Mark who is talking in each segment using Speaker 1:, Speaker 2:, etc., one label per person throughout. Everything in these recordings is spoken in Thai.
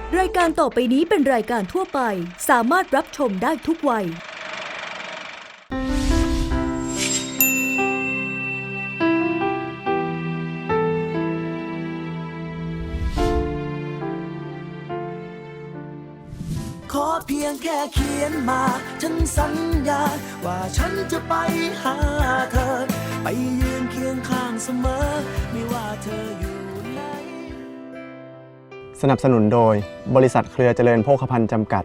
Speaker 1: รายการต่อไปนี้เป็นรายการทั่วไปสามารถรับชมได้ทุกวัย
Speaker 2: ขอเพียงแค่เขียนมาฉันสัญญาว่าฉันจะไปหาเธอไปยืนเคียงข้างเสมอไม่ว่าเธออยู่ไหน
Speaker 3: สนับสนุนโดยบริษัทเครือเจริญโภคภัณฑ์จำกัด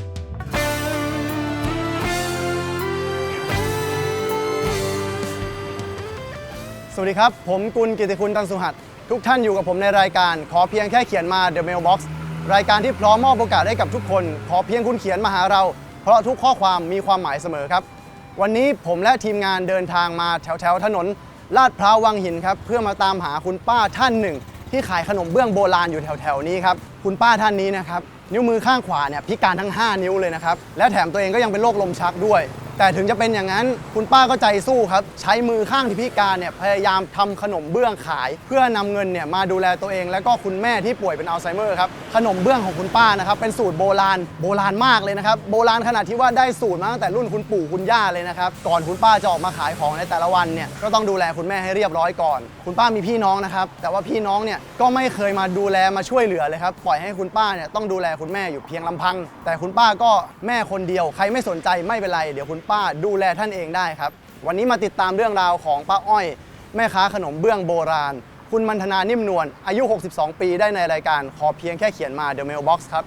Speaker 3: สวัสดีครับผมกุลกิติคุณตันสุหัสทุกท่านอยู่กับผมในรายการขอเพียงแค่เขียนมา The Mailbox รายการที่พร้อมมอบโอกาสให้กับทุกคนขอเพียงคุณเขียนมาหาเราเพราะทุกข้อความมีความหมายเสมอครับวันนี้ผมและทีมงานเดินทางมาแถวถนนลาดพร้าววังหินครับเพื่อมาตามหาคุณป้าท่านหนึ่งที่ขายขนมเบื้องโบราณอยู่แถวนี้ครับคุณป้าท่านนี้นะครับนิ้วมือข้างขวาเนี่ยพิการทั้ง5นิ้วเลยนะครับและแถมตัวเองก็ยังเป็นโรคลมชักด้วยแต่ถึงจะเป็นอย่างนั้นคุณป้าก็ใจสู้ครับใช้มือข้างที่พิการเนี่ยพยายามทำขนมเบื้องขายเพื่อนำเงินเนี่ยมาดูแลตัวเองและก็คุณแม่ที่ป่วยเป็นอัลไซเมอร์ครับขนมเบื้องของคุณป้านะครับเป็นสูตรโบราณมากเลยนะครับโบราณขนาดที่ว่าได้สูตรมาตั้งแต่รุ่นคุณปู่คุณย่าเลยนะครับก่อนคุณป้าจะออกมาขายของในแต่ละวันเนี่ยก็ต้องดูแลคุณแม่ให้เรียบร้อยก่อนคุณป้ามีพี่น้องนะครับแต่ว่าพี่น้องเนี่ยก็ไม่เคยมาดูแลมาช่วยเหลือเลยครับปล่อยให้คุณป้าเนี่ยต้องดูแลคุณแม่อยู่เพียงลำพังแต่คุณป้าก็แม่คนเดียวใครไม่สนใจไม่เป็นไรเดี๋ยวคุณป้าดูแลท่านเองได้ครับวันนี้มาติดตามเรื่องราวของป้าอ้อยแม่ค้าขนมเบื้องโบราณคุณมัณฑนานิ่มนวลอายุ62ปีได้ในรายการขอเพียงแค่เขียนมา The Mailbox ครับ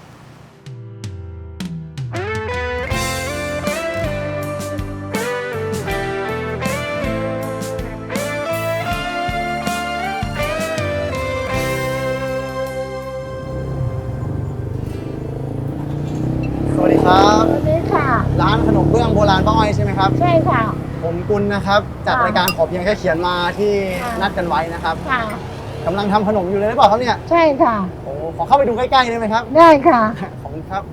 Speaker 3: สวัสดีครับ
Speaker 4: สวัสดีค่ะ
Speaker 3: ร้านขนมเบื้องโบราณป้าอ้อยใช่ไหมครับ
Speaker 4: ใช่ค่ะ
Speaker 3: ผมกุลนะครับจากรายการขอเพียงแค่เขียนมาที่นัดกันไว้นะครับ
Speaker 4: ค่ะ
Speaker 3: กำลังทำขนมอยู่เลยหรือเปล่าครับเนี่ย
Speaker 4: ใช่ค่ะ
Speaker 3: โอ้ขอเข้าไปดูใกล้ๆได้ไหมครับ
Speaker 4: ได้ค่ะ
Speaker 3: ขอบคุณครับ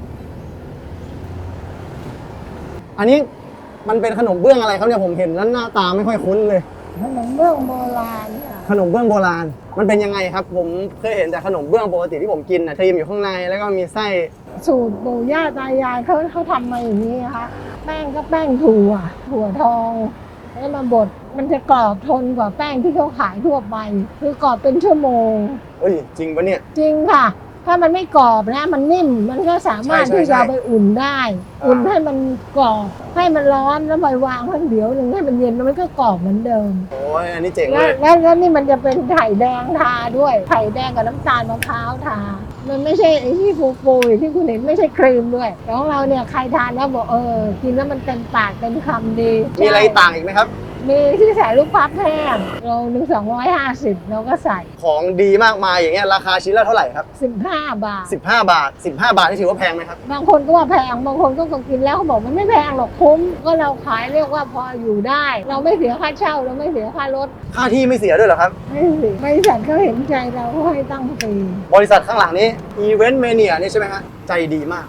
Speaker 3: อันนี้มันเป็นขนมเบื้องอะไรครับเนี่ยผมเห็นแล้วหน้าตาไม่ค่อยคุ้นเลย
Speaker 4: ขนมเบื้องโบราณค่ะ
Speaker 3: ขนมเบื้องโบราณมันเป็นยังไงครับผมเคยเห็นแต่ขนมเบื้องปกติที่ผมกินนะครีมอยู่ข้างในแล้วก็มีไส้
Speaker 4: สูตรปู่ย่าตายายเขาทำมาอย่างนี้นะคะแป้งก็แป้งถั่วทองแล้วมาบดมันจะกรอบทนกว่าแป้งที่เขาขายทั่วไปคือกรอบเป็นชั่วโมง
Speaker 3: เฮ้ยจริงปะเนี่ย
Speaker 4: จริงค่ะถ้ามันไม่กรอบนะมันนิ่มมันก็สามารถที่จะไปอุ่นได้อุ่นให้มันกรอบให้มันร้อนแล้วไปวางข้างเดียวหนึ่งให้มันเย็นแล้วมันก็กรอบเหมือนเดิม
Speaker 3: โอ้ยอันนี้เจ๋งเลย
Speaker 4: แล้วนี่มันจะเป็นไข่แดงทาด้วยไข่แดงกับน้ำตาลมะพร้าวทามันไม่ใช่ไอ้ที่ฟูๆที่คุณเห็นไม่ใช่ครีมด้วยของเราเนี่ยใครทานแล้วบอกกินแล้วมันเต็มปากเต็มคำดี
Speaker 3: มีอะไรต่างอีกไหมครับ
Speaker 4: มีที่ใส่ลูกพับแห้งโลนึง250เราก็ใส่
Speaker 3: ของดีมากมายอย่างเงี้ยราคาชิ้นละเท่าไหร่ครับ
Speaker 4: 15 บาท
Speaker 3: 15 บาทนี่ถือว่าแพงไหมครับ
Speaker 4: บางคนก็ว่าแพงบางคนก็กินแล้วเขาบอกมันไม่แพงหรอกคุ้มก็เราขายเรียกว่าพออยู่ได้เราไม่เสียค่าเช่าเราไม่เสียค่ารถ
Speaker 3: ค่าที่ไม่เสียด้วยเหรอครับ
Speaker 4: ไม่เสียบริษัทเขาเห็นใจเราก็ให้ตั้งฟรี
Speaker 3: บริษัทข้างหลังนี้ Event Mania นี่ใช่ไหมฮะใจดีมาก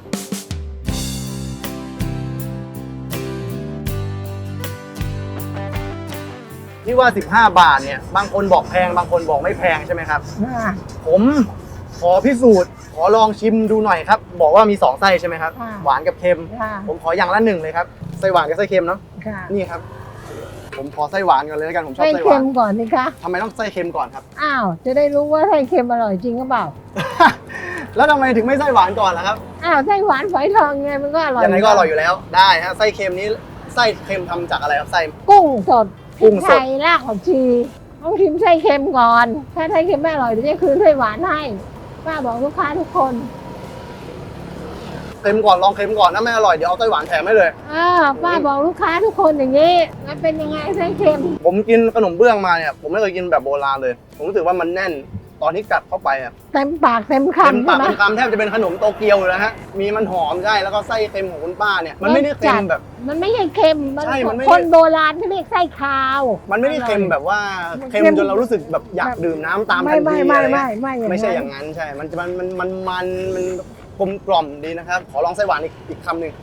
Speaker 3: ที่ว่า15 บาทเนี่ยบางคนบอกแพงบางคนบอกไม่แพงใช่ไหมครับผมขอพิสูจน์ขอลองชิมดูหน่อยครับบอกว่ามี2ไส้ใช่ไหมครับหวานกับเค็มผมขออย่างละ1เลยครับไส้หวานกับไส้เค็มเนาะนี่ครับผมขอไส้หวานก่อนเลยแล้วกันผมชอบไส้หวานไส้
Speaker 4: เค็มก่อนนี่คะ
Speaker 3: ทำไมต้องไส้เค็มก่อนครับ
Speaker 4: อ้าวจะได้รู้ว่าไส้เค็มอร่อยจริงหรือเปล่า
Speaker 3: แล้วทำไมถึงไม่ไส้หวานก่อนล่ะครับ
Speaker 4: อ้าวไส้หวานฝอยทองไงมันก็อร่อย
Speaker 3: ยังไงก็อร่อยอยู่แล้วได้ฮะไส้เค็มนี้ไส้เค็มทำจากอะไรครับไส้
Speaker 4: กุ้งสดพริกไทยรากผักชีต้องชิมไส้เค็มก่อนถ้าไส้เค็มไม่อร่อยเดี๋ยวจะคืนไส้หวานให้ป้าบอกลูกค้าทุกคน
Speaker 3: เค็มก่อนลองเค็มก่อนถ้าไม่อร่อยเดี๋ยวเอาไส้หวานแถมให้เลย
Speaker 4: ป้าบอกลูกค้าทุกคนอย่างนี้แล้วเป็นยังไงไส้เค็ม
Speaker 3: ผมกินขนมเบื้องมาเนี่ยผมไม่เคยกินแบบโบราณเลยผมรู้สึกว่ามันแน่นตอนที่กัดเข้าไปอ่ะ
Speaker 4: เต็มปากเต็มคำ
Speaker 3: เต็มปากเต็มคำแทบจะเป็นขนมโตเกียวอยู่แล้วฮะมีมันหอมใช่แล้วก็ไส้เค็มของคุณป้าเนี่ยมันไม่ได้เค็มแบบ
Speaker 4: มันไม่ใช่เค็มคนโบราณที่เรียกไส้คาว
Speaker 3: มันไม่ได้เค็มแบบว่าเค็มจนเรารู้สึกแบบอยากดื่มน้ำตามทันทีไม่ใช่อย่างนั้นใช่มันกลมกล่อมดีนะครับขอลองไส้หวานอีกคำหนึ่ง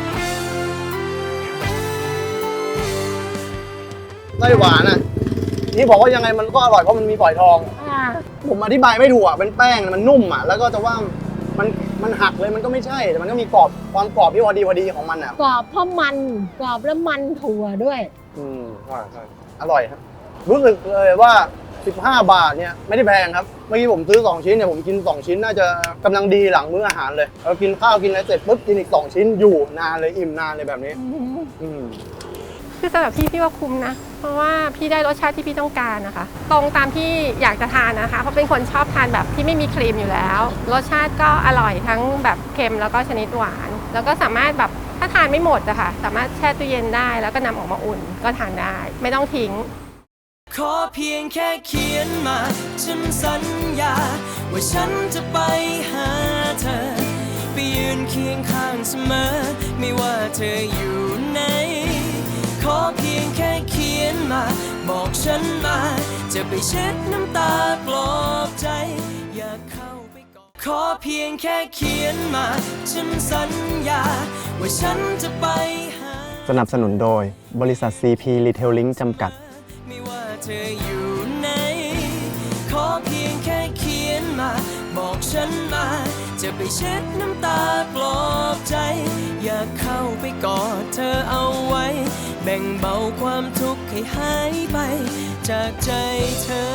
Speaker 3: ไส้หวานอ่ะที่บอกว่ายังไงมันก็อร่อยเพราะมันมีฝอยทอง
Speaker 4: อ่า
Speaker 3: ผมอธิบายไม่ถูกอ่ะเป็นแป้งมันนุ่มอ่ะแล้วก็จะว่ามันหักเลยมันก็ไม่ใช่แต่มันก็มีกรอบความกรอบที่พอดีของมันอ่ะ
Speaker 4: กรอบเพราะมันกรอบแล้วมันถั่วด้วย
Speaker 3: ใช่อร่อยครับรู้สึกเลยว่า15 บาทเนี่ยไม่ได้แพงครับเมื่อกี้ผมซื้อ2ชิ้นเนี่ยผมกิน2ชิ้นน่าจะกำลังดีหลังมื้ออาหารเลยเรากินข้าวกินอะไรเสร็จปุ๊บกินอีก2ชิ้นอยู่นานเลยอิ่มนานเลยแบบนี้
Speaker 5: คือสำหรับพี่ว่าคุ้มนะเพราะว่าพี่ได้รสชาติที่พี่ต้องการนะคะตรงตามที่อยากจะทานนะคะเพราะเป็นคนชอบทานแบบที่ไม่มีครีมอยู่แล้วรสชาติก็อร่อยทั้งแบบเค็มแล้วก็ชนิดหวานแล้วก็สามารถแบบถ้าทานไม่หมดอะค่ะสามารถแช่ตู้เย็นได้แล้วก็นำออกมาอุ่นก็ทานได้ไม่ต้องทิ้ง
Speaker 2: ขอเพียงแค่เขียนมาฉันสัญญาว่าฉันจะไปหาเธอไปยืนเคียงข้างเสมอไม่ว่าเธออยู่ไหนขอเพียงแค่เขียนมาบอกฉันมาจะไปเช็ดน้ำตาปลอบใจอยากเข้าไปกอดขอเพียงแค่เขียนมาฉันสัญญาว่าฉันจะไปหา
Speaker 3: สนับสนุนโดยบริษัท CP Retailing จำกัด
Speaker 2: ไม่ว่าเธออยู่ไหนขอเพียงแค่เขียนมาบอกฉันมาจะไปเช็ดน้ำตาปลอบใจอยากเข้าไปกอดเธอเอาไว้แบ่งเบาความทุกข์ให้หายไปจากใจเธอ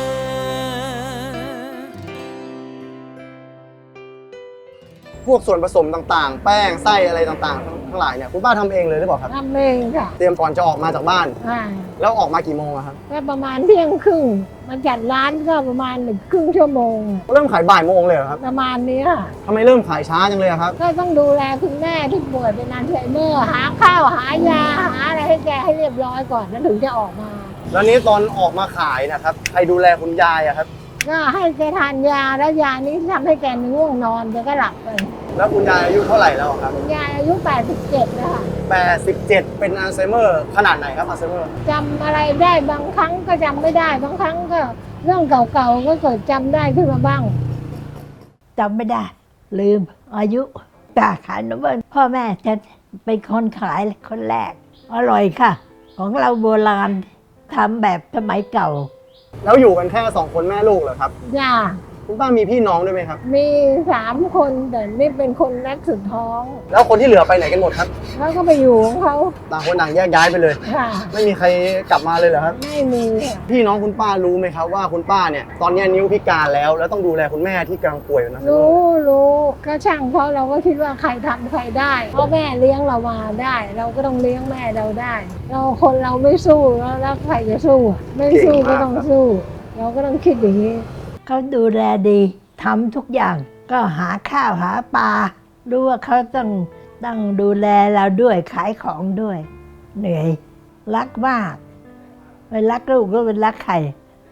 Speaker 3: พวกส่วนผสมต่างๆ แป้งไส้อะไรต่างๆทั้งหลายเนี่ยคุณป้าทำเองเลยหรือเปล่าครับ
Speaker 4: ทำเองค่ะ
Speaker 3: เตรียมก่อนจะออกมาจากบ้านแล้วออกมากี่โมงครับ
Speaker 4: ก็ประมาณเที่ยงครึ่งมันจัดร้านก็ประมาณ1 ครึ่งชั่วโมง
Speaker 3: เริ่มขายบ่ายโมงเลยเหรอครับ
Speaker 4: ประมาณนี้
Speaker 3: ทำไมเริ่มขายช้าจังเลยครับ
Speaker 4: ก็ต้องดูแลคุณแม่ที่ป่วยเป็นอัลไซเมอร์หาข้าวหายาหาอะไรให้แกให้เรียบร้อยก่อนแล้วถึงจะออกมา
Speaker 3: แล้วนี้ตอนออกมาขายนะครับใครดูแลคุณยายอะครับ
Speaker 4: ก็ให้แกทานยาแล้วยานี้ทำให้แกง่วงนอนแกก็หลับไป
Speaker 3: แล้วคุณยายอายุเท่าไหร่แล้วครับ
Speaker 4: คุณยายอายุ87แล้วค่ะ
Speaker 3: 87เป็นอัลไซเมอร์ขนาดไหนครับอัลไซเมอร์
Speaker 4: จำอะไรได้บางครั้งก็จำไม่ได้บางครั้งก็เรื่องเก่าๆก็เกิดจำได้ขึ้นมาบ้าง
Speaker 6: จำไม่ได้ลืมอายุตาขายนมเบิ้ลพ่อแม่จะเป็นคนขายคนแรกอร่อยค่ะของเราโบราณทำแบบสมัยเก่า
Speaker 3: แล้วอยู่กันแค่2 คนแม่ลูกเหรอครับ
Speaker 4: จ้า
Speaker 3: คุณป้ามีพี่น้องด้วยไหมครับ
Speaker 4: มี3 คนแต่นี่เป็นคนแรกสุดท้อง
Speaker 3: แล้วคนที่เหลือไปไหนกันหมดครับ
Speaker 4: แล้วก็ไปอยู่ของเขา
Speaker 3: ต่างคนต่างแยกย้ายไปเลย
Speaker 4: ค่ะ
Speaker 3: ไม่มีใครกลับมาเลยเหรอครับ
Speaker 4: ไม่มี
Speaker 3: พี่น้องคุณป้ารู้ไหมครับว่าคุณป้าเนี่ยตอนนี้นิ้วพิการแล้วต้องดูแลคุณแม่ที่กำลังป่วยนะ
Speaker 4: รู้ก็ช่างเพราะเราก็คิดว่าใครทำใครได้เพราะแม่เลี้ยงเรามาได้เราก็ต้องเลี้ยงแม่เราได้เราคนเราไม่สู้แล้วใครจะสู้ไม่สู้ก็ต้องสู้เราก็ต้องคิดอย่างนี้
Speaker 6: เขาดูแลดีทำทุกอย่างก็หาข้าวหาปลารู้ว่าเขาต้องดูแลเราด้วยขายของด้วยเหนื่อยรักมากไม่รักลูกก็เป็นรักใคร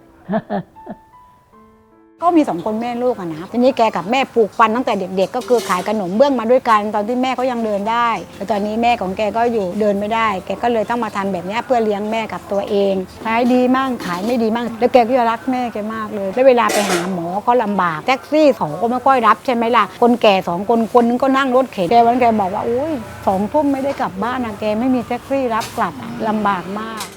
Speaker 7: ก็มี2 คนแม่ลูกอะนะทีนี้แกกับแม่ปลูกฟันตั้งแต่เด็กๆก็คือขายขนมเบื้องมาด้วยกันตอนที่แม่เขายังเดินได้แต่ตอนนี้แม่ของแกก็อยู่เดินไม่ได้แกก็เลยต้องมาทำแบบนี้เพื่อเลี้ยงแม่กับตัวเองขายดีมั่งขายไม่ดีมั่งแล้วแกก็จะรักแม่แกมากเลยแล้วเวลาไปหาหมอก็ลำบากแท็กซี่2ก็ไม่ค่อยรับใช่ไหมล่ะคนแก่2 คนนึงก็นั่งรถเข็นแกวันแกบอกว่าอุ้ย2 ทุ่มไม่ได้กลับบ้านนะแกไม่มีแท็กซี่รับกลับลำบากมาก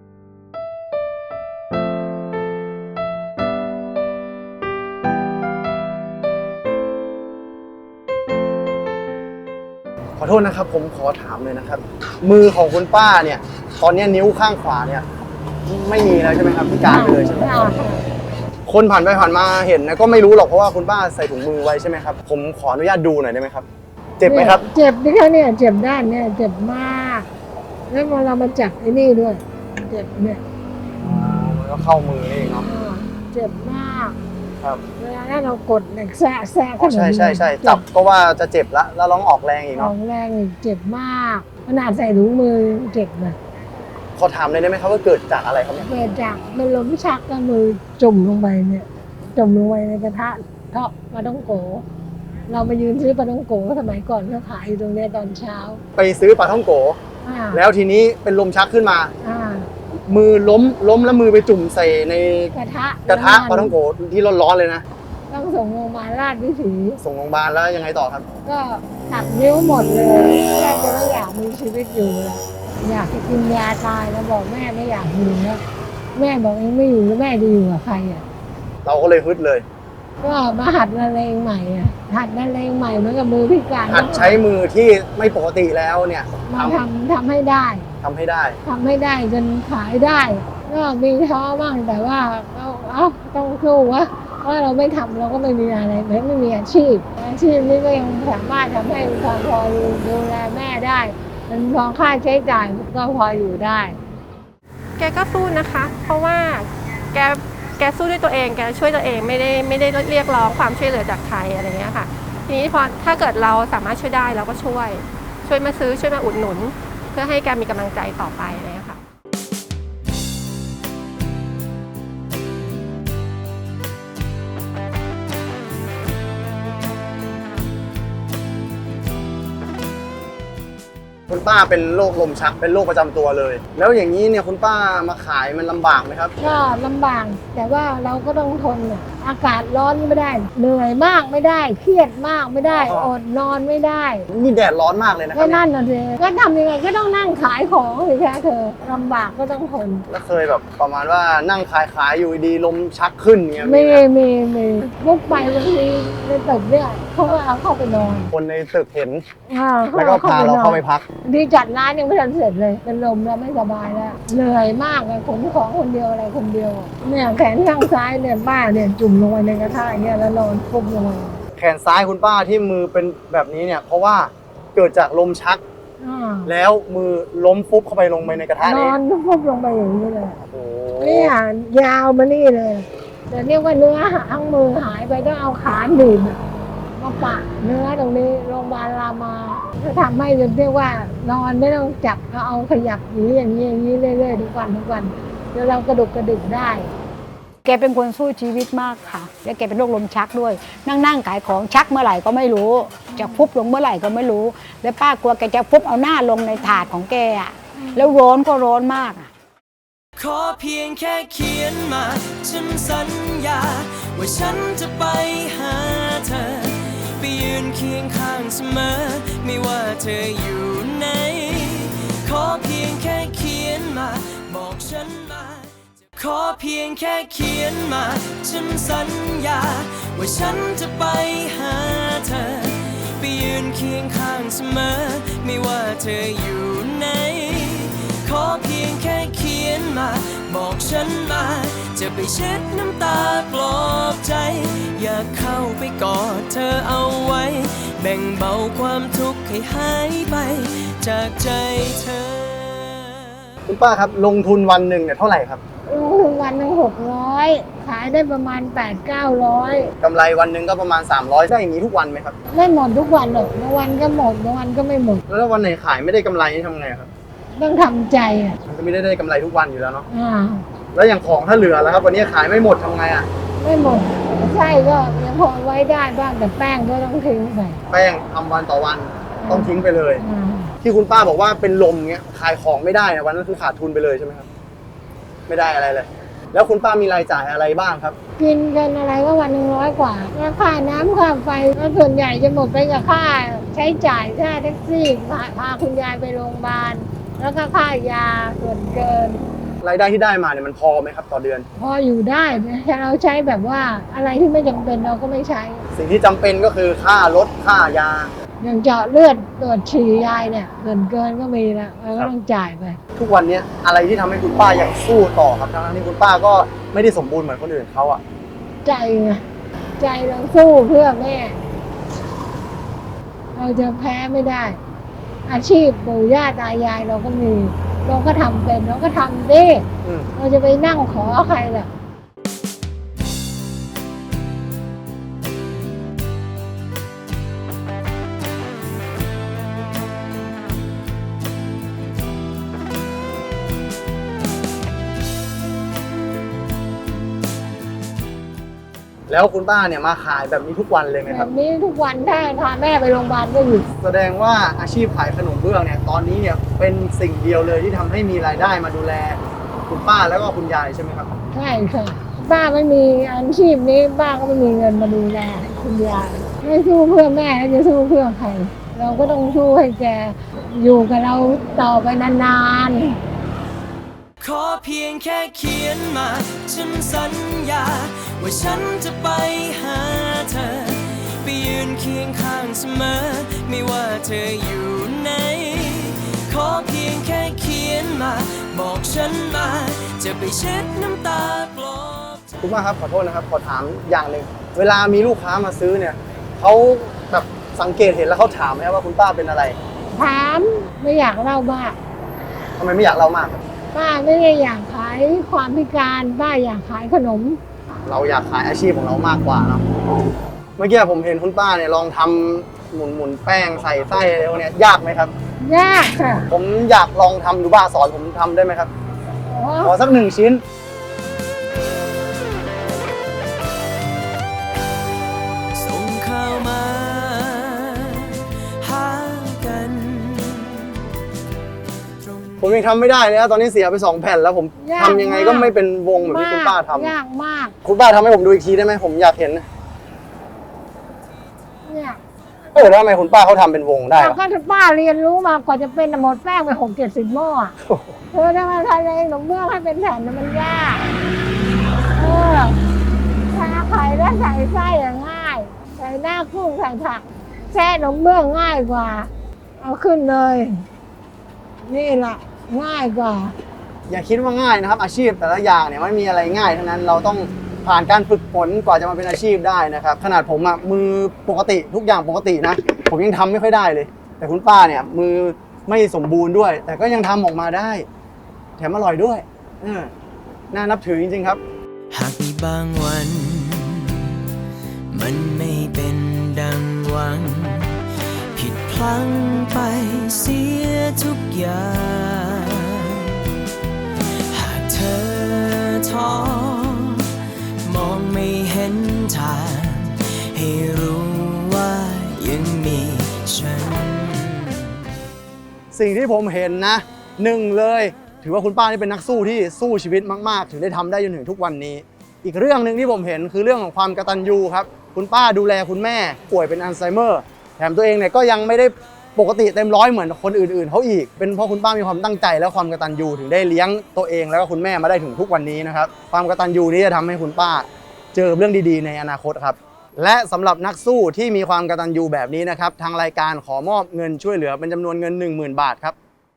Speaker 3: ขอโทษนะครับผมขอถามเลยนะครับมือของคุณป้าเนี่ยตอนนี้นิ้วข้างขวาเนี่ยไม่มีแล้วใช่ไหมครับพิการไปเลยใช่ไหมคนผ่านไปผ่านมาเห็นนะก็ไม่รู้หรอกเพราะว่าคุณป้าใส่ถุงมือไว้ใช่ไหมครับผมขออนุญาตดูหน่อยได้ไหมครับเจ็บไหมครับ
Speaker 4: เจ็บนี่ค่ะเนี่ยเจ็บด้านเนี่ยเจ็บมากแล้วพอเรามาจับไอ้นี่ด้วยเจ็บเนี่ย
Speaker 3: แล้วเข้ามือนี่เองเนาะ
Speaker 4: เจ็บมาก
Speaker 3: ครับ
Speaker 4: เวลาถ้าเรากดเหล็กแซะ
Speaker 3: ใช่จับก็ว่าจะเจ็บแล้วร้องออกแรงอีกเนาะ
Speaker 4: ออกแรงอีกเจ็บมากขนาดใส่ถุงมือเจ็บเลย
Speaker 3: ขอถามเลยได้ไหมครับว่าเกิดจากอะไรครับ
Speaker 4: เกิดจากมันล้มชักก็มือจุ่มลงไปเนี่ยจุ่มลงไปในกระทะเทาะปลาท่องโกเราไปยืนซื้อปลาท่องโกสมัยก่อนเขาขายอยู่ตรงนี้ตอนเช้า
Speaker 3: ไปซื้อปลาท่องโกแล้วทีนี้เป็นลมชักขึ้นมามือล้มแล้วมือไปจุ่มใส่ใน
Speaker 4: กระทะ
Speaker 3: ปลาท่องโกที่ร้อนๆเลยนะ
Speaker 4: ต้องส่งโรงพยาบาลราชวิถี
Speaker 3: ส่งโรงพยาบาลแล้วยังไงต่อครับ
Speaker 4: ก็ตัดนิ้วหมดเลยแม่ก็ไม่อยากมีชีวิตอยู่แล้วอยากจะกินยาตายแล้วบอกแม่ไม่อยากอยู่แล้วแม่บอกเองไม่อยู่แล้วแม่จะอยู่กับใครอ่ะ
Speaker 3: เราก็เลยฮึดเลย
Speaker 4: ก็มาหัดละเลงใหม่อ่ะหัดละเลงใหม่เหมือนกับมือพิการ
Speaker 3: หัดใช้มือที่ไม่ปกติแล้วเนี่ย
Speaker 4: มาทำให้ได้
Speaker 3: ทำให้ได้
Speaker 4: ทำให้ได้จนขายได้ก็มีท้อบ้างแต่ว่าต้องสู้วะเพราะเราไม่ทำเราก็ไม่มีอะไรไม่มีอาชีพนี้ก็ยังสามารถทำให้พอดูแลแม่ได้มันพอค่าใช้จ่ายก็พออยู่ได้
Speaker 5: แกก็สู้นะคะ เพราะว่าแกสู้ด้วยตัวเองแกช่วยตัวเองไม่ได้เรียกร้องความช่วยเหลือจากใครอะไรเงี้ยค่ะทีนี้พอถ้าเกิดเราสามารถช่วยได้เราก็ช่วยมาซื้อช่วยมาอุดหนุน เพื่อให้แกมีกำลังใจต่อไปอะไรเงี้ยค่ะ
Speaker 3: คุณป้าเป็นโรคลมชักเป็นโรคประจำตัวเลย แล้วอย่างนี้เนี่ยคุณป้ามาขายมันลำบากไหมครับ
Speaker 4: ก็ลำบากแต่ว่าเราก็ต้องทนอากาศร้อนไม่ได้เหนื่อยมากไม่ได้เครียดมากไม่ได้อดนอนไม่ได้
Speaker 3: นี่แดดร้อนมากเลยนะครั
Speaker 4: ก็
Speaker 3: บ
Speaker 4: นั่นน่ะสิก็ทำยังไงก็ต้องนั่งขายของสิคะเธอลำบากก็ต้องทน
Speaker 3: แล้วเคยแบบประมาณว่านั่งขายอยู่ดีลมชักขึ้นเงี้ย
Speaker 4: มีลุกไปบางทีในตึกเนี่ยเขาก็เอาเข้าไปนอน
Speaker 3: คนในตึกเห็นแล้วก็พาเราเข้าไปพัก
Speaker 4: ดีจัดร้านยังไม่ทันเสร็จเลยเป็นลมแล้วไม่สบายแล้วเหนื่อยมากเลยขนของคนเดียวอะไรคนเดียวเนี่ยแขนข้างซ้ายเนี่ยป้าเนี่ยจุ่มลงไปในกระทะอย่างเงี้ยแล้วนอนฟุบลงไป
Speaker 3: แขนซ้ายคุณป้าที่มือเป็นแบบนี้เนี่ยเพราะว่าเกิดจากลมชักแล้วมือล้มฟุบเข้าไปลงไปในกระทะนี้
Speaker 4: นอนฟุบลงไปอย่างนี้เลยเนี่ยยาวมานี่เลยแต่เรียกว่าเนื้อทั้งมือหายไปต้องเอาขาหนีบมาปะเนื้อตรงนี้โรงพยาบาลรามาจะทำให้จนเรียกว่านอนไม่ต้องจับเอาขยับอย่างนี้เรื่อยๆทุกวันเดี๋ยวเรากระดุกได้
Speaker 7: แกเป็นคนสู้ชีวิตมากค่ะแล้วแกเป็นโรคลมชักด้วยนั่งขายของชักเมื่อไหร่ก็ไม่รู้จะฟุบลงเมื่อไหร่ก็ไม่รู้แล้วป้ากลัวแกจะฟุบเอาหน้าลงในถาดของแกอ่ะแล้วร้อนก็ร้อนมาก
Speaker 2: ขอเพียงแค่เขียนมาฉันสัญญาว่าฉันจะไปหาเธอไปยืนเคียงข้างเสมอไม่ว่าเธออยู่ไหนขอเพียงแค่เขียนมาบอกฉันมาขอเพียงแค่เขียนมาฉันสัญญาว่าฉันจะไปหาเธอไปยืนเคียงข้างเสมอไม่ว่าเธออยู่ไหนขอเพียงแค่เขียนมาบอกฉันมาจะไปเช็ดน้ำตาปลอบใจอยากเข้าไปกอดเธอเอาไว้แบ่งเบาความทุกข์ให้หายไปจากใจเธอ
Speaker 3: คุณป้าครับลงทุนวันหนึ่งเนี่ยเท่าไหร่ครับ
Speaker 4: ลงทุนวันหนึ่ง600ขายได้ประมาณ800-900
Speaker 3: กำไรวันหนึ่งก็ประมาณ300ได้อย่างนี้ทุกวันไหมครับ
Speaker 4: ไม่หมดทุกวันหรอกบางวันก็หมดบางวันก็ไม่หมด
Speaker 3: แล้ววันไหนขายไม่ได้กำไรนี่ทำไงครับ
Speaker 4: ต้องทำใจ
Speaker 3: มันก็ไม่ได้กำไรทุกวันอยู่แล้วเนาะแล้วอย่างของถ้าเหลือแล้วครับวันนี้ขายไม่หมดทำไงอ่ะ
Speaker 4: ไม่หมดใช่ก็ยังพอไว้ได้บ้างแต่แป้งก็ต้องทิ้งไป
Speaker 3: แป้งทำวันต่อวันต้องทิ้งไปเลยที่คุณป้าบอกว่าเป็นลมเงี้ยขายของไม่ได้นะวันนั้นคือขาดทุนไปเลยใช่ไหมครับไม่ได้อะไรเลยแล้วคุณป้ามีรายจ่ายอะไรบ้างครับ
Speaker 4: กินกันอะไรก็วัน100 กว่าค่าน้ำค่าไฟก็ส่วนใหญ่จะหมดไปกับค่าใช้จ่ายค่าแท็กซี่พาคุณยายไปโรงพยาบาลแล้วก็ค่ายาส่วนเกิน
Speaker 3: รายได้ที่ได้มาเนี่ยมันพอไหมครับต่อเดือน
Speaker 4: พออยู่ได้แต่เราใช้แบบว่าอะไรที่ไม่จำเป็นเราก็ไม่ใช้
Speaker 3: สิ่งที่จำเป็นก็คือค่ารถค่ายา
Speaker 4: อย่างเจาะเลือดตรวจฉี่ยายเนี่ยส่วนเกินก็มีแล้วเราก็ต้องจ่ายไป
Speaker 3: ทุกวันนี้อะไรที่ทำให้คุณป้ายังสู้ต่อครับทั้งที่คุณป้าก็ไม่ได้สมบูรณ์เหมือนคนอื่นเขาอะ
Speaker 4: ใจไงใจเราสู้เพื่อแม่เราจะแพ้ไม่ได้อาชีพปู่ย่าตายายเราก็มีเราก็ทำเป็นเราก็ทำดิเราจะไปนั่งขอใครล่ะ
Speaker 3: แล้วคุณป้าเนี่ยมาขายแบบนี้ทุกวันเลยไหมครับ
Speaker 4: แบบนี้ทุกวันถ้าพาแม่ไปโรงพยาบาลก็อยู่
Speaker 3: แสดงว่าอาชีพขายขนมเบื้องเนี่ยตอนนี้เนี่ยเป็นสิ่งเดียวเลยที่ทำให้มีรายได้มาดูแลคุณป้าแล้วก็คุณยายใช่ไหมครับ
Speaker 4: ใช่ค่ะป้าไม่มีอาชีพนี้ป้าก็ไม่มีเงินมาดูแลคุณยายไม่สู้เพื่อแม่จะสู้เพื่อใครเราก็ต้องสู้ให้แกอยู่กับเราต่อไปนาน
Speaker 2: ขอเพียงแค่เขียนมาฉันสัญญาว่าฉันจะไปหาเธอไปยืนเคียงข้างเสมอไม่ว่าเธออยู่ไหนขอเพียงแค่เขียนมาบอกฉันมาจะไปเช็ดน้ำตาปลอบใจ
Speaker 3: คุณป้าครับขอโทษนะครับขอถามอย่างหนึ่งเวลามีลูกค้ามาซื้อเนี่ยเขาแบบสังเกตเห็นแล้วเขาถามไหมว่าคุณป้าเป็นอะไร
Speaker 4: ถามไม่อยากเล่ามาก
Speaker 3: ทำไมไม่อยากเล่ามากครับ
Speaker 4: ป้าไม่ได้อยากขายความพิการป้าอยากขายขนม
Speaker 3: เราอยากขายอาชีพของเรามากกว่าเนาะเมื่อกี้ผมเห็นคุณป้าเนี่ยลองทำหมุนแป้งใส่ไส้อะไรพวกเนี้ยยากไหมครับ
Speaker 4: ยากค่ะ
Speaker 3: ผมอยากลองทำดูบ้างสอนผมทำได้ไหมครับ
Speaker 4: อ๋อ
Speaker 3: ขอสัก1 ชิ้น
Speaker 2: ส่งข่าวมาหากันตรง
Speaker 3: ผมยังทำไม่ได้เลยนะตอนนี้เสียไป2 แผ่นแล้วผมทำยังไงก็ไม่เป็นวงแบบที่คุณป้าทำ
Speaker 4: ยากมาก
Speaker 3: คุณป้าทำให้ผมดูอีกทีได้ไหมผมอยากเห็น
Speaker 4: เนี่ย
Speaker 3: แล้วทำไมคุณป้าเขาทำเป็นวงได้
Speaker 4: เรา
Speaker 3: วะ
Speaker 4: ก็ป้าเรียนรู้มากว่าจะเป็นหมดแป้งไป60-70 หม้ออะเธอถ้ามาทำเองหนมเบื้องให้เป็นแผ่นน่ะมันยากทาไข่แล้วใส่ไส้อะง่าย ใส่หน้ากุ้งใส่ผักแช่หนมเบื้องง่ายกว่า เอาขึ้นเลย นี่แหละง่ายกว่า
Speaker 3: อย่าคิดว่าง่ายนะครับอาชีพแต่ละอย่างเนี่ยไม่มีอะไรง่ายทั้งนั้นเราต้องผ่านการฝึกฝนกว่าจะมาเป็นอาชีพได้นะครับขนาดผมอะมือปกติทุกอย่างปกตินะผมยังทำไม่ค่อยได้เลย แต่คุณป้าเนี่ยมือไม่สมบูรณ์ด้วย แต่ก็ยังทำออกมาได้ แถมอร่อยด้วยน่านับถือจริงๆครับ
Speaker 2: หากมีบางวัน มันไม่เป็นดังหวัง ผิดพลั้งไปเสียทุกอย่าง หากเธอท้อมองไม่เห็นทางให้รู้ว่ายังมีฉัน
Speaker 3: สิ่งที่ผมเห็นนะ1เลยถือว่าคุณป้านี่เป็นนักสู้ที่สู้ชีวิตมากๆถึงได้ทำได้จนถึงทุกวันนี้ อีกเรื่องหนึ่งที่ผมเห็นคือเรื่องของความกตัญญูครับคุณป้าดูแลคุณแม่ป่วยเป็นอัลไซเมอร์แถมตัวเองเนี่ยก็ยังไม่ได้ปกติเต็มร้อยเหมือนคนอื่นๆเขาอีกเป็นเพราะคุณป้ามีความตั้งใจและความกตัญญูถึงได้เลี้ยงตัวเองแล้วก็คุณแม่มาได้ถึงทุกวันนี้นะครับความกตัญญูนี้จะทำให้คุณป้าเจอเรื่องดีๆในอนาคตครับและสำหรับนักสู้ที่มีความกตัญญูแบบนี้นะครับทางรายการขอมอบเงินช่วยเหลือเป็นจำนวนเงิน 10,000 บาทครับ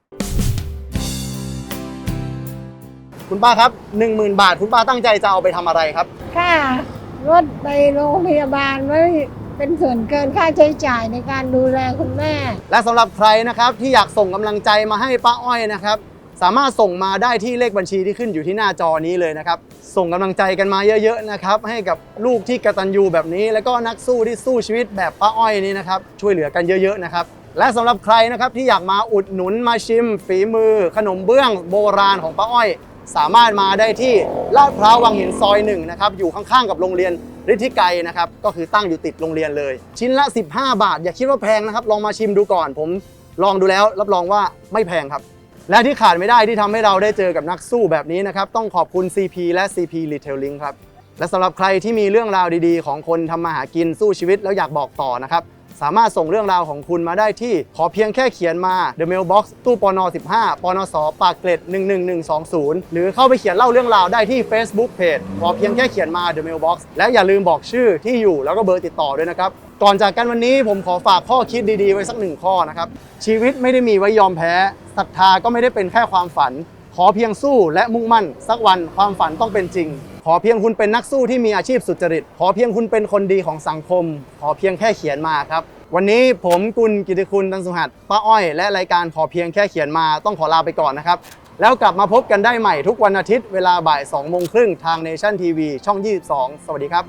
Speaker 3: คุณป้าครับ 10,000 บาทคุณป้าตั้งใจจะเอาไปทำอะไรครับ
Speaker 4: ค่ารถไปโรงพยาบาลไว้เป็นส่วนเกินค่าใช้จ่ายในการดูแลคุณแม่
Speaker 3: และสำหรับใครนะครับที่อยากส่งกำลังใจมาให้ป้าอ้อยนะครับสามารถส่งมาได้ที่เลขบัญชีที่ขึ้นอยู่ที่หน้าจอนี้เลยนะครับส่งกำลังใจกันมาเยอะๆนะครับให้กับลูกที่กตัญญูแบบนี้แล้วก็นักสู้ที่สู้ชีวิตแบบป้าอ้อยนี้นะครับช่วยเหลือกันเยอะๆนะครับและสำหรับใครนะครับที่อยากมาอุดหนุนมาชิมฝีมือขนมเบื้องโบราณของป้าอ้อยสามารถมาได้ที่ลาดพร้าววังหินซอย1นะครับอยู่ข้างๆกับโรงเรียนฤทธิไกรนะครับก็คือตั้งอยู่ติดโรงเรียนเลยชิ้นละ15 บาทอย่าคิดว่าแพงนะครับลองมาชิมดูก่อนผมลองดูแล้วรับรองว่าไม่แพงครับและที่ขาดไม่ได้ที่ทำให้เราได้เจอกับนักสู้แบบนี้นะครับต้องขอบคุณ CP และ CP Retailing ครับและสำหรับใครที่มีเรื่องราวดีๆของคนทำมาหากินสู้ชีวิตแล้วอยากบอกต่อนะครับสามารถส่งเรื่องราวของคุณมาได้ที่ขอเพียงแค่เขียนมา The Mailbox ตู้ปน15ปนสปากเกร็ด11120หรือเข้าไปเขียนเล่าเรื่องราวได้ที่ Facebook Page ขอเพียงแค่เขียนมา The Mailbox และอย่าลืมบอกชื่อที่อยู่แล้วก็เบอร์ติดต่อด้วยนะครับก่อนจากกันวันนี้ผมขอฝากข้อคิดดีๆไว้สัก1ข้อนะครับชีวิตไม่ได้มีไว้ยอมแพ้ศรัทธาก็ไม่ได้เป็นแค่ความฝันขอเพียงสู้และมุ่งมั่นสักวันความฝันต้องเป็นจริงขอเพียงคุณเป็นนักสู้ที่มีอาชีพสุจริตขอเพียงคุณเป็นคนดีของสังคมขอเพียงแค่เขียนมาครับวันนี้ผมกุลกิติคุณตันสุหัสป้าอ้อยและรายการขอเพียงแค่เขียนมาต้องขอลาไปก่อนนะครับแล้วกลับมาพบกันได้ใหม่ทุกวันอาทิตย์เวลาบ่าย 2:30 น.ทาง Nation TV ช่อง 22 สวัสดีครับ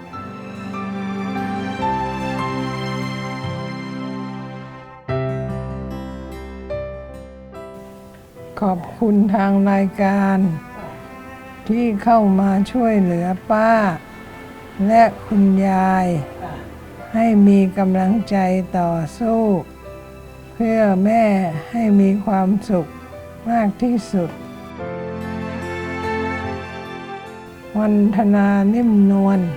Speaker 6: ขอบคุณทางรายการที่เข้ามาช่วยเหลือป้าและคุณยายให้มีกำลังใจต่อสู้เพื่อแม่ให้มีความสุขมากที่สุดวันธนานิ่มนวล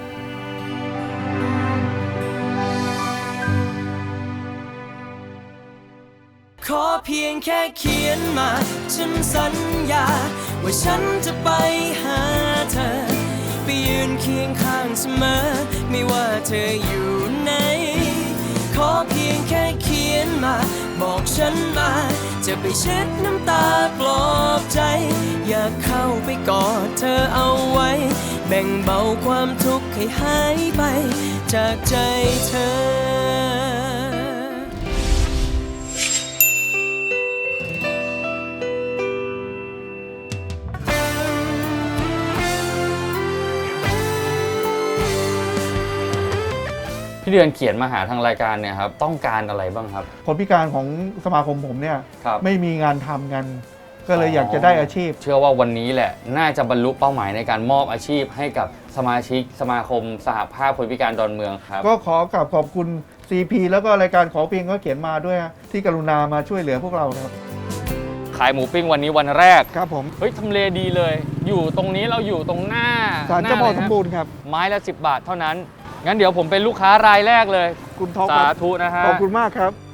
Speaker 2: ขอเพียงแค่เขียนมาฉันสัญญาว่าฉันจะไปหาเธอไปยืนเคียงข้างเสมอไม่ว่าเธออยู่ไหนขอเพียงแค่เขียนมาบอกฉันมาจะไปเช็ดน้ำตาปลอบใจอยากเข้าไปกอดเธอเอาไว้แบ่งเบาความทุกข์ให้หายไปจากใจเธอ
Speaker 8: พี่เดือนเขียนมาหาทางรายการเนี่ยครับต้องการอะไรบ้างครับ
Speaker 9: คนพิการของสมาคมผมเนี่ย
Speaker 8: ครับ
Speaker 9: ไม่มีงานทำกัน ก็เลยอยากจะได้อาชีพ
Speaker 8: เชื่อว่าวันนี้แหละน่าจะบรรลุเป้าหมายในการมอบอาชีพให้กับสมาชิกสมาคมสหภาพคนพิการดอนเมืองครับ
Speaker 9: ก็ขอกราบขอบคุณ CP แล้วก็รายการขอเพียงก็เขียนมาด้วยฮะที่กรุณามาช่วยเหลือพวกเราครับ
Speaker 8: ขายหมูปิ้งวันนี้วันแรก
Speaker 9: ครับผม
Speaker 8: เฮ้ยทำเลดีเลย อยู่ตรงนี้เราอยู่ตรงหน้า
Speaker 9: ศาลเจ้าพ่อ
Speaker 8: ห
Speaker 9: ส
Speaker 8: น้
Speaker 9: ม
Speaker 8: ลย
Speaker 9: บูรณ์ครับ
Speaker 8: ไม้ละ10 บาทเท่านั้นงั้นเดี๋ยวผมเป็นลูกค้ารายแรกเลย
Speaker 9: คุณท็อปค
Speaker 8: สา
Speaker 9: รับ
Speaker 8: ธุนะฮะ
Speaker 9: ขอบคุณมากครับ